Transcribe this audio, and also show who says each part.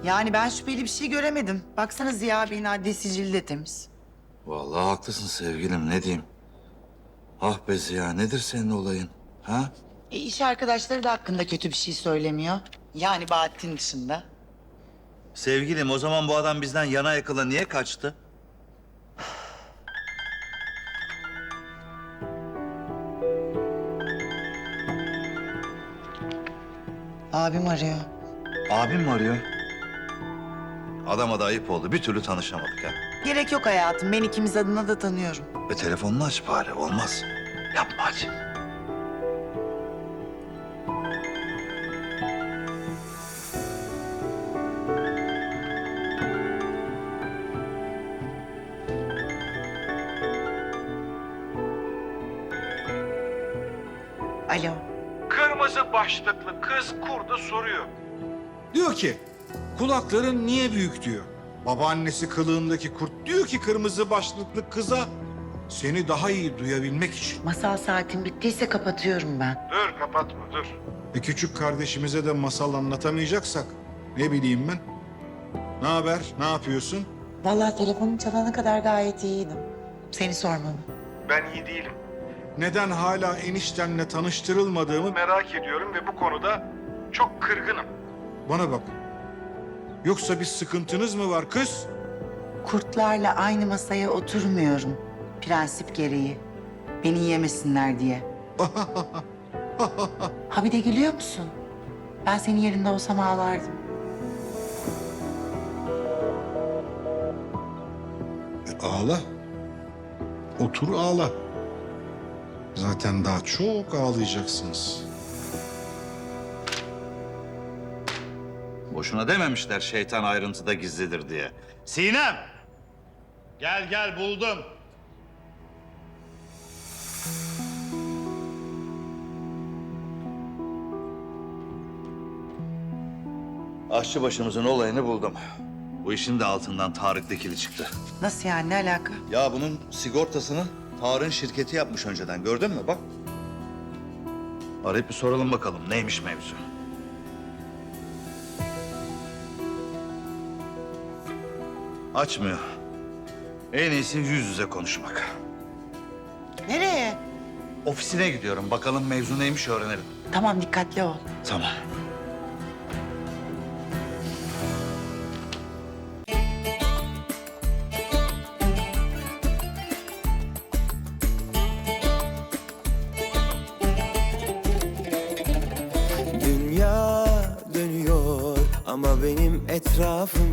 Speaker 1: Yani ben şüpheli bir şey göremedim. Baksana Ziya Bey'in adli sicili de temiz.
Speaker 2: Vallahi haklısın sevgilim, ne diyeyim? Ah be Ziya, nedir senin olayın? Ha?
Speaker 1: İş arkadaşları da hakkında kötü bir şey söylemiyor. Yani Bahattin dışında.
Speaker 2: Sevgilim, o zaman bu adam bizden yana yakıla niye kaçtı?
Speaker 1: Abim arıyor.
Speaker 2: Abim mi arıyor? Adama da ayıp oldu. Bir türlü tanışamadık ha.
Speaker 1: Gerek yok hayatım. Ben ikimiz adına da tanıyorum.
Speaker 2: Telefonunu aç bari, olmaz. Yapma hadi.
Speaker 1: Alo.
Speaker 3: Kırmızı başlıklı kız kurdu soruyor.
Speaker 4: Diyor ki kulakların niye büyük diyor. Babaannesi kılığındaki kurt diyor ki kırmızı başlıklı kıza seni daha iyi duyabilmek için.
Speaker 1: Masal saatin bittiyse kapatıyorum ben.
Speaker 3: Dur kapatma dur.
Speaker 4: Küçük kardeşimize de masal anlatamayacaksak ne bileyim ben. Ne haber? Ne yapıyorsun?
Speaker 1: Vallahi telefonun çalana kadar gayet iyiydim. Seni sormalı.
Speaker 3: Ben iyi değilim.
Speaker 4: Neden hala eniştenle tanıştırılmadığımı
Speaker 3: Merak ediyorum ve bu konuda çok kırgınım.
Speaker 4: bana bak. Yoksa bir sıkıntınız mı var kız?
Speaker 1: Kurtlarla aynı masaya oturmuyorum. Prensip gereği. Beni yemesinler diye. Ha bir de gülüyor musun? Ben senin yerinde olsam ağlardım.
Speaker 4: Ağla. Otur ağla. Zaten daha çok ağlayacaksınız.
Speaker 2: Boşuna dememişler şeytan ayrıntıda gizlidir diye. Sinem! Gel gel, buldum. Aşçıbaşımızın olayını buldum. Bu işin de altından Tarık Dikili çıktı.
Speaker 1: Nasıl yani, ne alaka?
Speaker 2: Ya bunun sigortasını Tarık'ın şirketi yapmış önceden, gördün mü bak. Arayıp bir soralım bakalım neymiş mevzu. Açmıyor. En iyisi yüz yüze konuşmak.
Speaker 1: Nereye?
Speaker 2: Ofisine gidiyorum, bakalım mevzu neymiş öğrenelim.
Speaker 1: Tamam, dikkatli ol.
Speaker 2: Tamam.
Speaker 5: Dünya dönüyor ama benim etrafım